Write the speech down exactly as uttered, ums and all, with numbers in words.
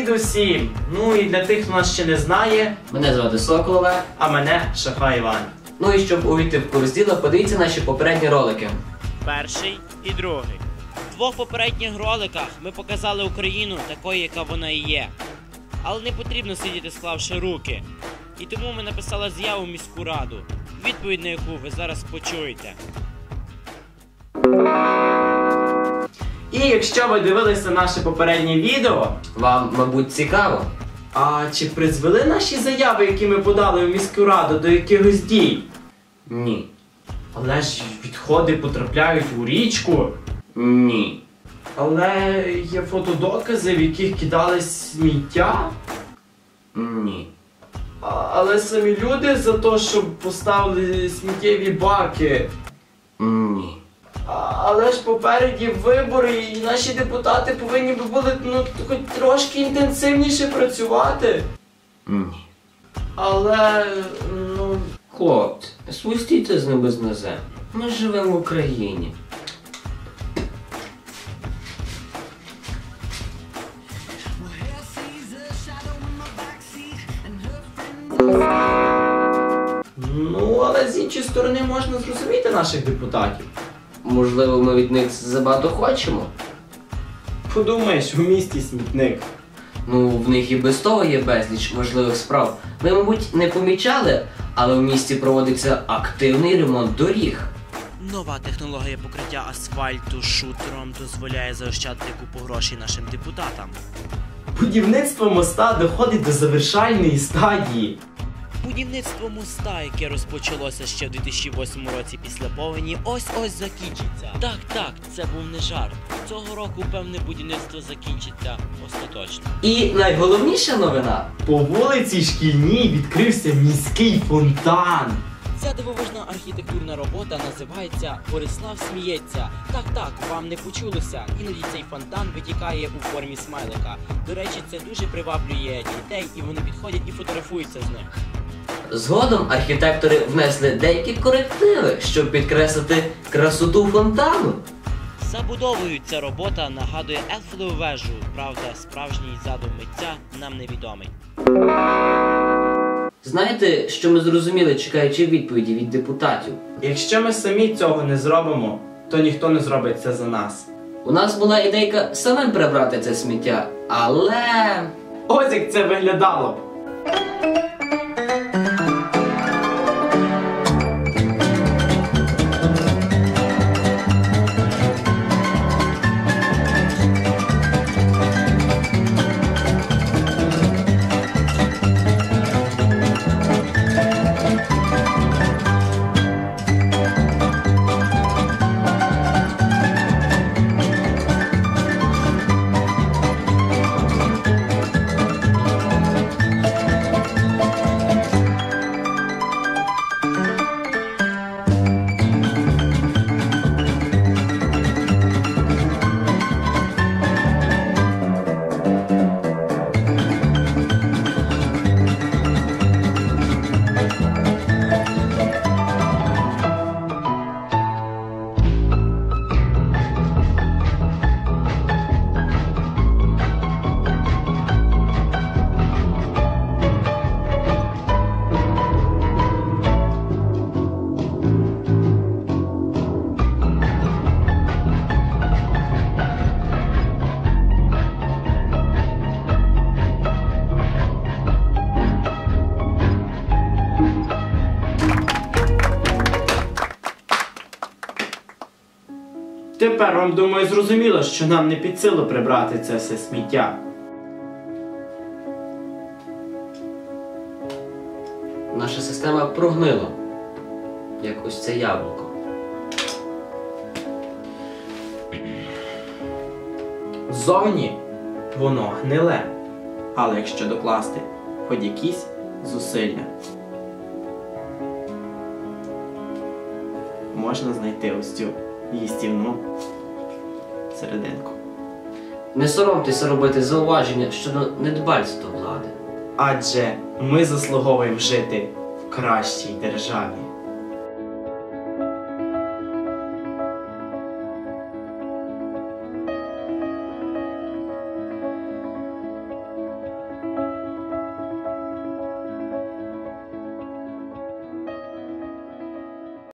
Привіт усім! Ну і для тих, хто нас ще не знає, мене звати Сокол Олег, а мене Шахрай Іван. Ну і щоб увійти в курс діла, подивіться наші попередні ролики. Перший і другий. В двох попередніх роликах ми показали Україну такою, яка вона і є. Але не потрібно сидіти, склавши руки. І тому ми написали заяву в міську раду, відповідь на яку ви зараз почуєте. І якщо ви дивилися наше попереднє відео, вам, мабуть, цікаво. А чи призвели наші заяви, які ми подали в міську раду, до якихось дій? Ні. Але ж відходи потрапляють у річку. Ні. Але є фотодокази, в яких кидали сміття. Ні. А, але самі люди за те, щоб поставили сміттєві баки. Ні. А, але ж попереді вибори, і наші депутати повинні би були, ну, хоч трошки інтенсивніше працювати. Ні. Але, ну... Хлопці, спустіться з небес на землю. Ми живемо в Україні. Ну, але з іншої сторони можна зрозуміти наших депутатів. Можливо, ми від них забагато хочемо? Подумаєш, у місті смітник. Ну, в них і без того є безліч важливих справ. Ви, мабуть, не помічали, але в місті проводиться активний ремонт доріг. Нова технологія покриття асфальту шутером дозволяє заощадити купу грошей нашим депутатам. Будівництво моста доходить до завершальної стадії. Будівництво моста, яке розпочалося ще в дві тисячі восьмому році після повені, ось-ось закінчиться. Так, так, це був не жарт. Цього року, певне, будівництво закінчиться остаточно. І найголовніша новина. По вулиці Шкільній відкрився міський фонтан. Ця дивовижна архітектурна робота називається «Борислав сміється». Так, так, вам не почулося. Іноді цей фонтан витікає у формі смайлика. До речі, це дуже приваблює дітей, і вони підходять і фотографуються з ним. Згодом архітектори внесли деякі корективи, щоб підкреслити красоту фонтану. Забудовою ця робота нагадує Ейфелеву вежу. Правда, справжній задум митця нам невідомий. Знаєте, що ми зрозуміли, чекаючи відповіді від депутатів? Якщо ми самі цього не зробимо, то ніхто не зробить це за нас. У нас була ідейка самим прибрати це сміття, але... Ось як це виглядало б. Тепер вам, думаю, зрозуміло, що нам не під силу прибрати це все сміття. Наша система прогнила, як ось це яблуко. Ззовні воно гниле, але якщо докласти хоч якісь зусилля, можна знайти ось цю їстівну серединку. Не соромтеся робити зауваження щодо недбальства влади. Адже ми заслуговуємо жити в кращій державі.